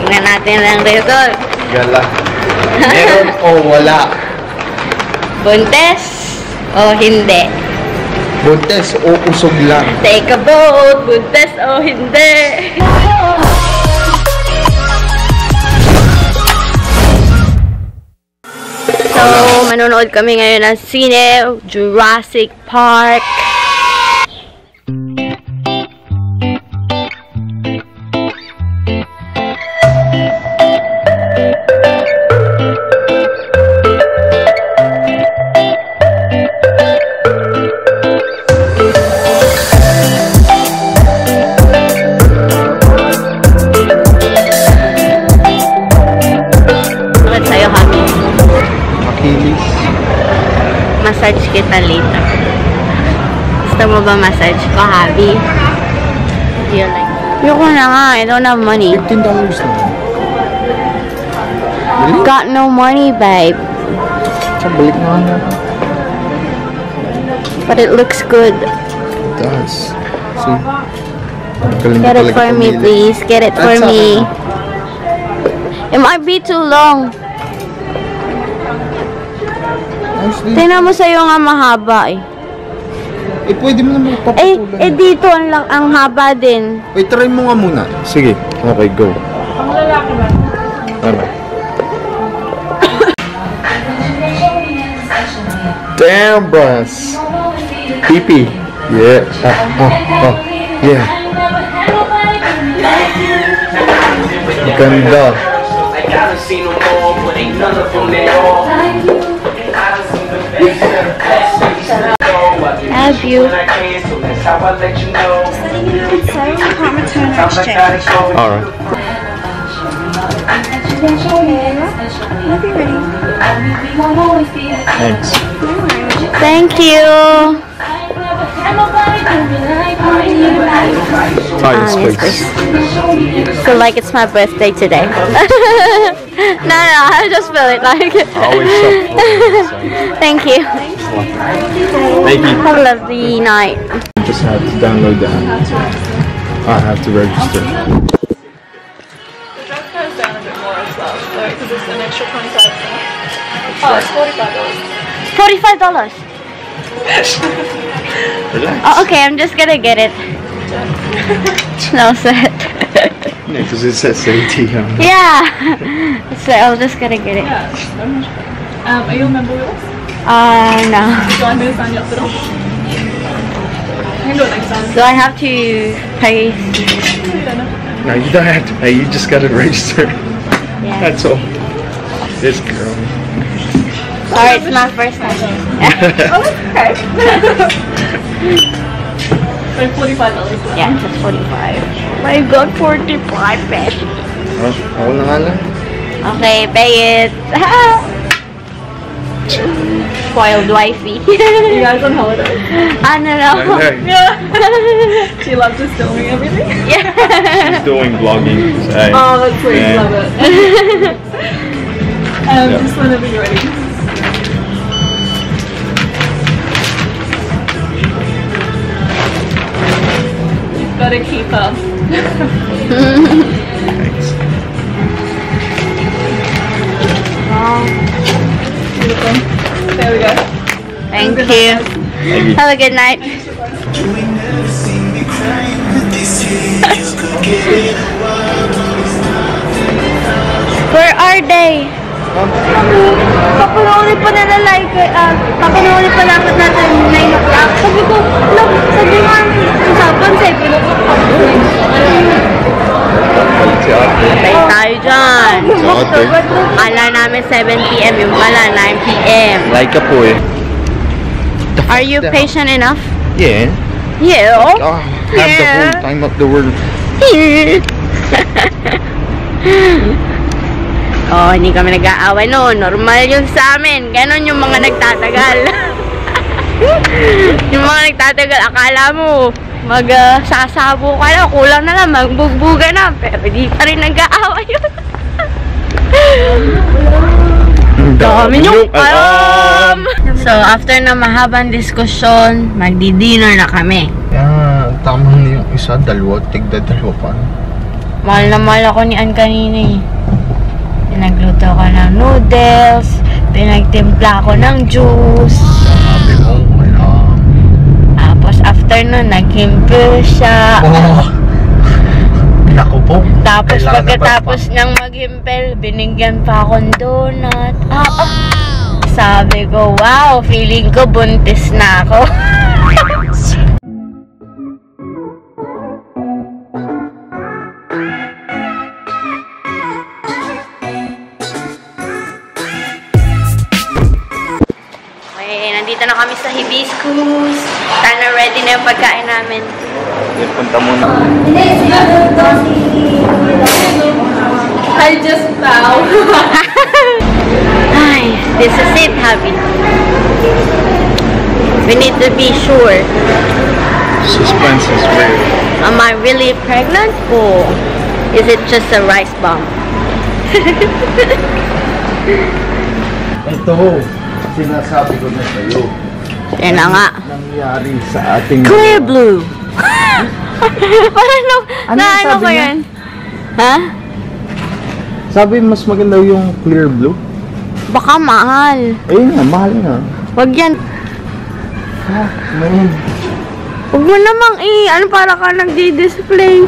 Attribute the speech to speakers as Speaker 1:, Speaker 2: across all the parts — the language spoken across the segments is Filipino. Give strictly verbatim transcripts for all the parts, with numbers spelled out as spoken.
Speaker 1: Tingnan natin ang result.
Speaker 2: Gala. Meron o wala?
Speaker 1: Buntes o hindi?
Speaker 2: Buntes o usog lang?
Speaker 1: Take a vote. Buntes o hindi? So, manonood kami ngayon ng sine, Jurassic Park. Massage kita later. Gusto mo ba massage ko, Habi? Do you like it? Yoko na nga. I don't have money.
Speaker 2: fifteen dollars na. Really?
Speaker 1: Got no money, babe.
Speaker 2: Sa balik na nga.
Speaker 1: But it looks good.
Speaker 2: It does. See?
Speaker 1: Get it for me, please. Get it for me. It might be too long. Tingnan mo sa'yo nga mahaba eh.
Speaker 2: Eh, pwede mo naman
Speaker 1: Eh,
Speaker 2: papapulan.
Speaker 1: eh dito ang, lang- ang haba din.
Speaker 2: Wait, try mo nga muna. Sige. Okay, go.
Speaker 3: Ang lalaki ba?
Speaker 2: Ano? Damn, bros. Pee-pee. Yeah. Oh, oh, oh. Yeah. Ganda.
Speaker 1: Have you?
Speaker 2: Alright. Thanks.
Speaker 1: Thank you.
Speaker 2: Oh,
Speaker 1: Ah,
Speaker 2: yes,
Speaker 1: yes,
Speaker 2: please.
Speaker 1: please. Feel like it's my birthday today. No, no, I just feel it like.
Speaker 2: Always so.
Speaker 1: Thank you.
Speaker 2: Thank you.
Speaker 1: Have a lovely night.
Speaker 2: Just have to download the app. So I have to register.
Speaker 3: The drug goes down a bit more as well, though, because it's an extra twenty-five dollars. Oh, it's forty-five dollars.
Speaker 1: Forty-five dollars.
Speaker 2: Relax.
Speaker 1: Oh, okay, I'm just gonna get it. No sweat.
Speaker 2: Yeah, because it says A T M.
Speaker 1: Yeah. So I'm just gonna get it.
Speaker 3: Yeah. Um, are you a member with us?
Speaker 1: Uh, no.
Speaker 3: Do you want me to sign you up at all? I can do it next time.
Speaker 1: Do I have to pay?
Speaker 3: You don't know.
Speaker 2: No, you don't have to pay. You just gotta register.
Speaker 1: Yeah.
Speaker 2: That's all. This girl.
Speaker 1: Sorry, it's my first time.
Speaker 3: Oh, that's okay. So forty-five dollars.
Speaker 1: Yeah, just forty-five. My God, forty-five pesos.
Speaker 2: Oh, ako na nga lang.
Speaker 1: Okay, pay it. Spoiled wifey.
Speaker 3: You guys on holiday?
Speaker 1: I don't know.
Speaker 2: Okay.
Speaker 3: Yeah. She loves just filming everything.
Speaker 1: Yeah.
Speaker 2: She's doing vlogging. So,
Speaker 3: Oh, that's sweet.
Speaker 2: yeah.
Speaker 3: Love it. um,
Speaker 2: Yeah.
Speaker 3: Just whenever you're ready. You've got to keep up.
Speaker 2: Thanks.
Speaker 3: Beautiful. There we go.
Speaker 1: Thank
Speaker 3: Good
Speaker 1: you.
Speaker 3: night, guys.
Speaker 2: Thank you.
Speaker 1: Have a good night. Where are they? Papanoorin pa nila like, uh, papanoorin pa lang natin nine o'clock. Sabi ko, look, sabi nga, usapan sa'yo, pinupunta ko. Patay tayo dyan. Kala namin seven p m yung pala, nine p m
Speaker 2: Like a po eh.
Speaker 1: Are you patient enough?
Speaker 2: Yeah.
Speaker 1: Yeah.
Speaker 2: Oh, have the
Speaker 1: Yeah.
Speaker 2: whole time of the world.
Speaker 1: Oh, hindi kami nag-aaway no. Normal yun sa amin. Ganon yung mga nagtatagal. Yung mga nagtatagal, akala mo mag-sasabo uh, ka na, kulang na lang, magbugbuga na. Pero di pa rin nag-aaway yun. Dami niyong alam! So, after na mahabang diskusyon, magdi-dinner na kami.
Speaker 2: Yeah, tama na yung isa, dalawa, tigda dalawa pa.
Speaker 1: Mahal na mahal ako ni Ann kanina eh. Pinagluto ko ng noodles, pinagtimpla ko ng juice.
Speaker 2: Sabi mo, wala.
Speaker 1: Tapos after nun, nag-himple siya.
Speaker 2: Oh. Naku po.
Speaker 1: Tapos
Speaker 2: Kailangan
Speaker 1: pagkatapos niyang mag-himple, binigyan pa akong donut. Ah, ah. Sabi ko, wow, feeling ko buntis na ako. Nandito na kami sa Hibiscus. Sana ready na yung pagkain namin.
Speaker 2: Yan, punta muna.
Speaker 3: I just bow.
Speaker 1: Ay, this is it, hubby. We need to be sure.
Speaker 2: Suspense is real.
Speaker 1: Am I really pregnant or is it just a rice bomb?
Speaker 2: Ito, sinasabi ko na sa'yo.
Speaker 1: Yan na nga.
Speaker 2: Nangyari sa ating...
Speaker 1: Clear blue. Paano?
Speaker 2: Ano
Speaker 1: Na
Speaker 2: yung
Speaker 1: ano
Speaker 2: sabi
Speaker 1: ko
Speaker 2: niya?
Speaker 1: yan? Ha?
Speaker 2: Sabi mas maganda yung clear blue.
Speaker 1: Baka mahal.
Speaker 2: Ayun nga, mahal nga.
Speaker 1: Wag yan.
Speaker 2: Ah, man.
Speaker 1: Huwag mo namang i... Ano para ka nagdi-display?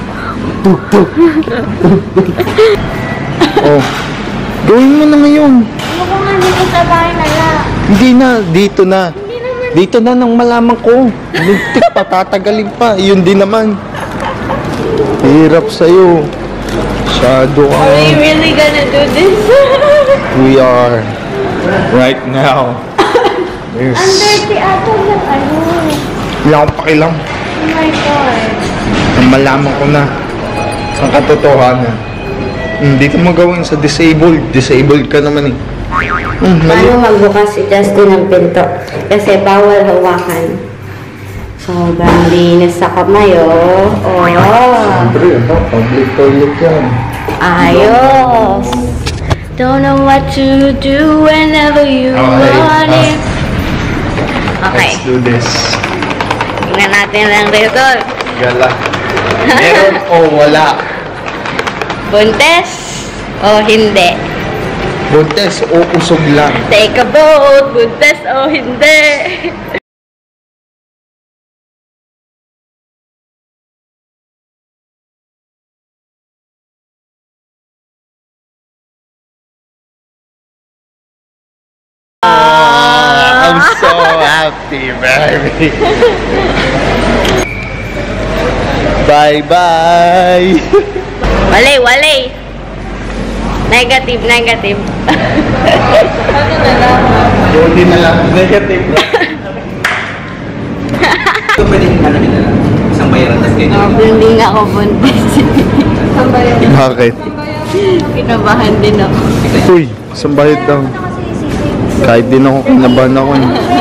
Speaker 2: Oh. Gawin mo na ngayon.
Speaker 1: Ano ko nga dito sa bahay na lang?
Speaker 2: Hindi na, dito na. Dito na nang malaman ko. Lintik pa, tatagalin pa. Yun din naman. Hirap sa'yo. Shadow ka.
Speaker 1: Are we really gonna do this?
Speaker 2: We are. Right now. Yes.
Speaker 1: Under the ato ng ano.
Speaker 2: Wala akong pakilam.
Speaker 1: Oh my God.
Speaker 2: Nang malaman ko na ang katotohanan. Hmm, dito mo gawin sa disabled. Disabled ka naman eh. Hmm, mali.
Speaker 1: Paano magbukas si Justin ng pinto? Kasi bawal hawakan. Sobrang linis sa kamay, oh. Oh.
Speaker 2: Siyempre, ano? Public toilet yan.
Speaker 1: Ayos. Don't know what to do whenever you
Speaker 2: Okay.
Speaker 1: want it. Okay.
Speaker 2: Let's do this.
Speaker 1: Tingnan natin ang result.
Speaker 2: Gala. Meron o wala?
Speaker 1: Buntes o hindi?
Speaker 2: Buntes o usog lang?
Speaker 1: Take a vote. Buntes o hindi?
Speaker 2: I'm so happy, baby. Bye-bye.
Speaker 1: Wale, wale. Negative, negative.
Speaker 2: Hindi na lang. Negative lang.
Speaker 4: Ito pwede ano nila lang. Isang bayaran tas ganyan.
Speaker 1: Oh, hindi nga ako buntis.
Speaker 2: Bakit?
Speaker 1: Kinabahan din ako.
Speaker 2: Uy, sambayad daw. Kahit din ako, kinabahan ako.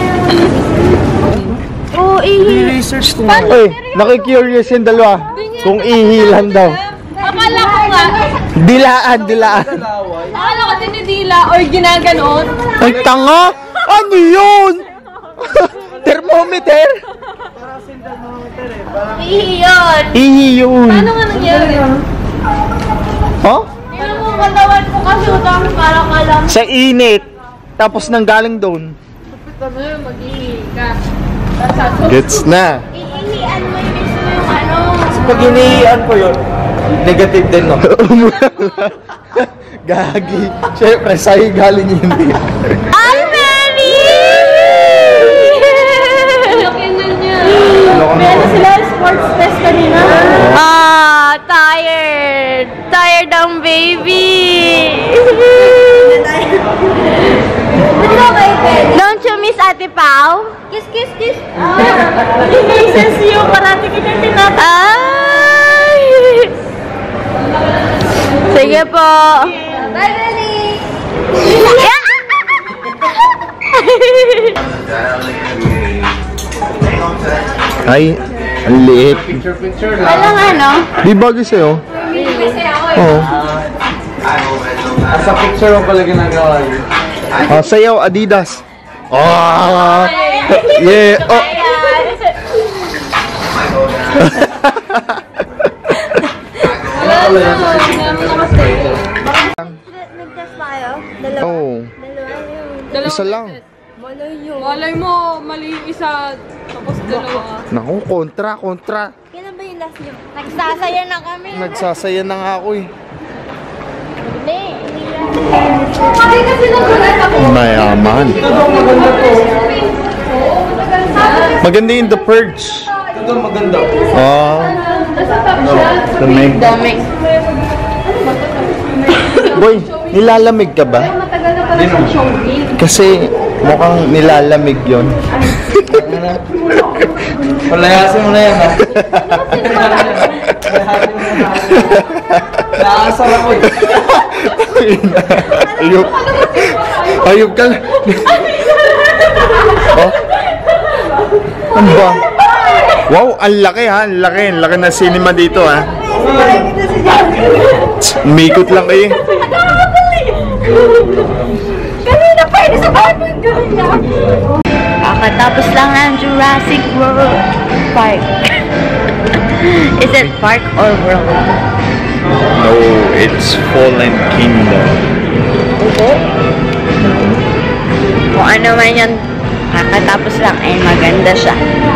Speaker 1: Oo, ihi.
Speaker 4: Research ko
Speaker 2: Uy, nakikurious yung dalawa. Kung ihilan daw.
Speaker 3: Akala ko nga.
Speaker 2: Dilaan, dilaan.
Speaker 3: Akala ko dinidila or ginaganon.
Speaker 2: Ay, tanga! Ano yun? Thermometer?
Speaker 1: Ihi yun.
Speaker 2: Ihi yun.
Speaker 3: Ano nga nangyari?
Speaker 2: Huh?
Speaker 3: Ano mo katawan ko kasi utang para ka lang.
Speaker 2: Sa init. Tapos nang galing doon.
Speaker 3: Sabi mo, mag-ihi ka.
Speaker 2: Gets na.
Speaker 1: Ihihian mo yung mismo yung ano.
Speaker 4: Pag hinihian ko yun, negative din no?
Speaker 2: Gagi. Siyempre, sa'yo galing yun eh.
Speaker 1: I'm ready!
Speaker 3: Laki na niya.
Speaker 2: May ano
Speaker 3: Sila sports test kanina.
Speaker 1: Ah, tired. Tired ang baby. Don't you miss Ate Pao? Kiss, kiss, kiss.
Speaker 3: Kisses you, parati kita tinatay.
Speaker 1: Ay! Sige po.
Speaker 3: Bye, Belly!
Speaker 2: Ay, ang liit.
Speaker 1: Walang ano?
Speaker 2: Di bagay sa'yo? Oo.
Speaker 4: Sa picture mo pala ginagawa yun.
Speaker 2: Ah, sa'yo, Adidas. Oh! Yeah! Oh!
Speaker 4: pala yan.
Speaker 1: Nag-test ba kayo? Dalawa?
Speaker 2: Oo.
Speaker 1: Dalawa
Speaker 2: Isa lang.
Speaker 1: Malay yun.
Speaker 3: Malay mo, mali yung isa, tapos dalawa.
Speaker 2: Naku, kontra, kontra.
Speaker 1: Kailan ba yung last nyo? Nagsasaya na kami.
Speaker 2: Nagsasaya na nga ako eh.
Speaker 1: Hindi.
Speaker 3: Hindi kasi nagulat ako.
Speaker 2: Mayaman. Maganda yung The Purge.
Speaker 4: Ito maganda.
Speaker 2: Ah. Lamig.
Speaker 1: Dami.
Speaker 2: Boy, nilalamig ka ba?
Speaker 3: Matagal na pala sa showbiz.
Speaker 2: Kasi mukhang nilalamig yon.
Speaker 4: Palayasin mo na yan, ha? Nakakasal ako eh.
Speaker 2: Ayok. Ayok ka lang. Oh? Ano ba? Wow, ang laki ha. Ang laki. Ang laki ng cinema dito ha. Umikot lang kayo.
Speaker 1: Kanina pa yun sa bahay mo yung Kakatapos lang ng Jurassic World Park. Is it park or world?
Speaker 2: No, it's Fallen Kingdom.
Speaker 1: Oo. Kung ano man yun, kakatapos lang ay maganda siya.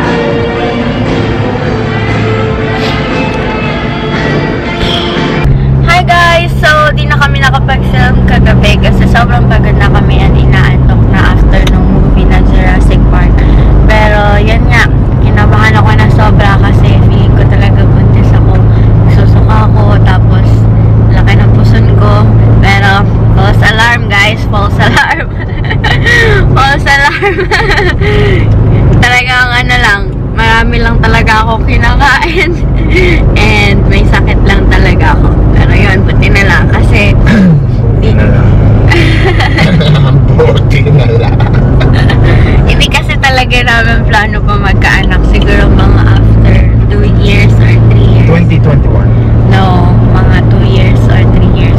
Speaker 1: Hi guys! So, di na kami nakapag-film kagabi kasi sobrang pagod na kami at inaantok na after nung movie na Jurassic Park. Pero, yan nga, kinabahan ako na sobra kasi feeling ko talaga buntis ako. Susuka ako, tapos laki ng puson ko. Pero, false alarm guys, false alarm. False alarm. Talagang ano lang, marami lang talaga ako kinakain. And may sakit lang talaga ako. Pero yun, buti na lang kasi
Speaker 2: Buti na lang. Buti na lang.
Speaker 1: hindi kasi talaga namin plano pa magkaanak. Siguro mga after two years or three years.
Speaker 2: twenty twenty-one.
Speaker 1: No, mga two years or three years.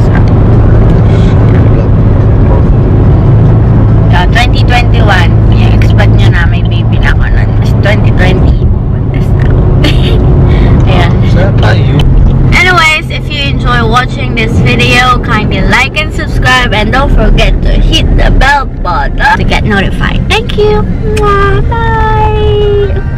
Speaker 1: Uh, twenty twenty-one, i-expect nyo na may baby na ako nun. Mas twenty twenty, buntis na ako. Ayan.
Speaker 2: Saan tayo?
Speaker 1: Anyways, if you enjoy watching this video, kindly like and subscribe and don't forget to hit the bell button to get notified. Thank you. Mwah, bye.